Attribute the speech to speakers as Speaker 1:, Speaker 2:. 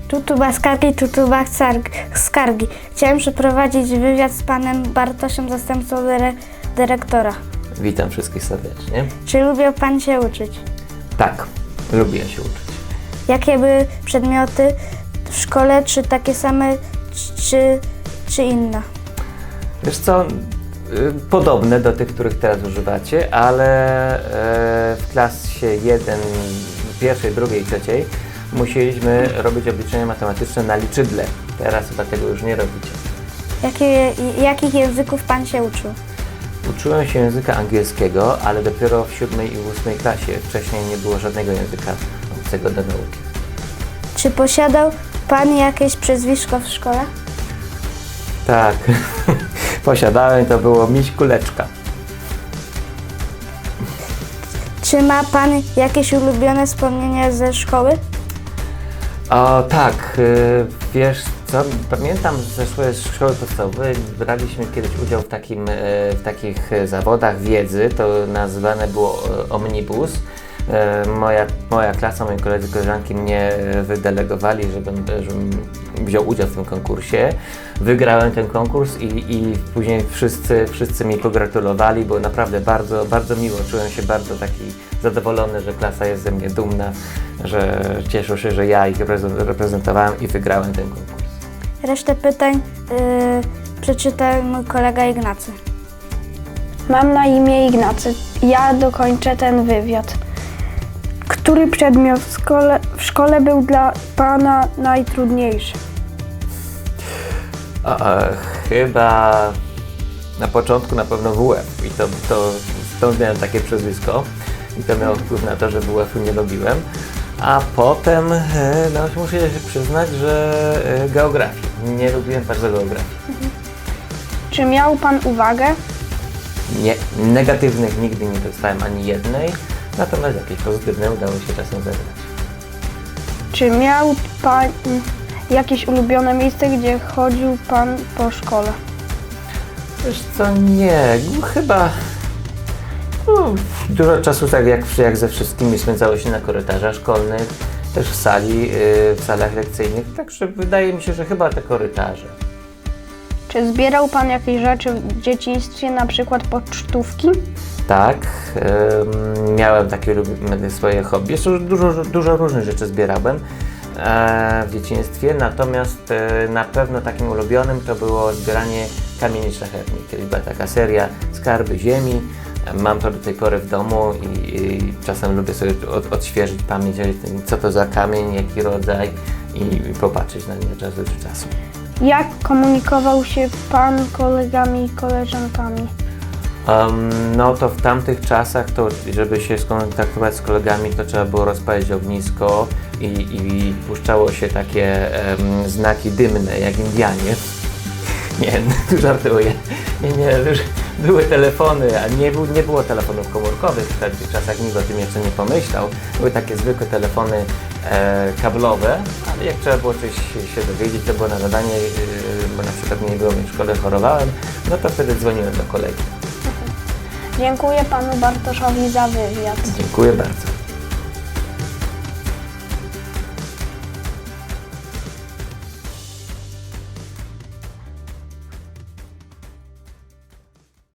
Speaker 1: Skargi. Chciałem przeprowadzić wywiad z panem Bartoszem, zastępcą dyrektora.
Speaker 2: Witam wszystkich serdecznie.
Speaker 1: Czy lubił pan się uczyć?
Speaker 2: Tak, lubię się uczyć.
Speaker 1: Jakie były przedmioty w szkole? Czy takie same, czy inne?
Speaker 2: Wiesz co, podobne do tych, których teraz używacie, ale w klasie 1, pierwszej, drugiej, trzeciej musieliśmy robić obliczenia matematyczne na liczydle. Teraz chyba tego już nie robicie.
Speaker 1: Jakich języków pan się uczył?
Speaker 2: Uczyłem się języka angielskiego, ale dopiero w 7. i 8. klasie. Wcześniej nie było żadnego języka obcego do nauki.
Speaker 1: Czy posiadał pan jakieś przezwisko w szkole?
Speaker 2: Tak, posiadałem, to było Miś Kuleczka.
Speaker 1: Czy ma pan jakieś ulubione wspomnienia ze szkoły?
Speaker 2: O tak, wiesz co, pamiętam ze szkoły podstawowej, braliśmy kiedyś udział w takich zawodach wiedzy, to nazywane było omnibus. Moja klasa, moi koledzy, koleżanki mnie wydelegowali, żebym wziął udział w tym konkursie. Wygrałem ten konkurs i później wszyscy mi pogratulowali, było naprawdę bardzo, bardzo miło. Czułem się bardzo taki zadowolony, że klasa jest ze mnie dumna, że cieszą się, że ja ich reprezentowałem i wygrałem ten konkurs.
Speaker 1: Resztę pytań przeczyta mój kolega Ignacy.
Speaker 3: Mam na imię Ignacy. Ja dokończę ten wywiad. Który przedmiot w szkole był dla pana najtrudniejszy?
Speaker 2: Chyba na początku na pewno WF i stąd miałem takie przezwisko i to miało wpływ na to, że WF-u nie lubiłem, a potem muszę się przyznać, że geografii. Nie lubiłem bardzo geografii.
Speaker 3: Czy miał pan uwagę?
Speaker 2: Nie, negatywnych nigdy nie dostałem ani jednej, natomiast jakieś pozytywne udało się czasem zebrać.
Speaker 3: Czy miał pan jakieś ulubione miejsce, gdzie chodził pan po szkole?
Speaker 2: Wiesz co, nie, chyba dużo czasu, tak jak ze wszystkimi, spędzało się na korytarzach szkolnych, też w salach lekcyjnych, także wydaje mi się, że chyba te korytarze.
Speaker 3: Czy zbierał pan jakieś rzeczy w dzieciństwie, na przykład pocztówki?
Speaker 2: Tak, miałem takie swoje hobby. Jeszcze dużo różnych rzeczy zbierałem w dzieciństwie, natomiast na pewno takim ulubionym to było zbieranie kamieni szlachetnych. Kiedyś była taka seria Skarby Ziemi. Mam to do tej pory w domu i czasem lubię sobie odświeżyć pamięć, co to za kamień, jaki rodzaj i popatrzeć na nie czas do czasu.
Speaker 3: Jak komunikował się pan kolegami i koleżankami?
Speaker 2: No to w tamtych czasach, to żeby się skontaktować z kolegami, to trzeba było rozpalić ognisko i puszczało się takie znaki dymne, jak Indianie. Nie, żartuję. Nie, były telefony, a nie było telefonów komórkowych w tamtych czasach, nikt o tym jeszcze nie pomyślał. Były takie zwykłe telefony kablowe, ale jak trzeba było coś się dowiedzieć, to było na zadanie, bo na przykład mnie nie było w szkole, chorowałem, no to wtedy dzwoniłem do kolegi.
Speaker 3: Dziękuję panu Bartoszowi za wywiad.
Speaker 2: Dziękuję bardzo.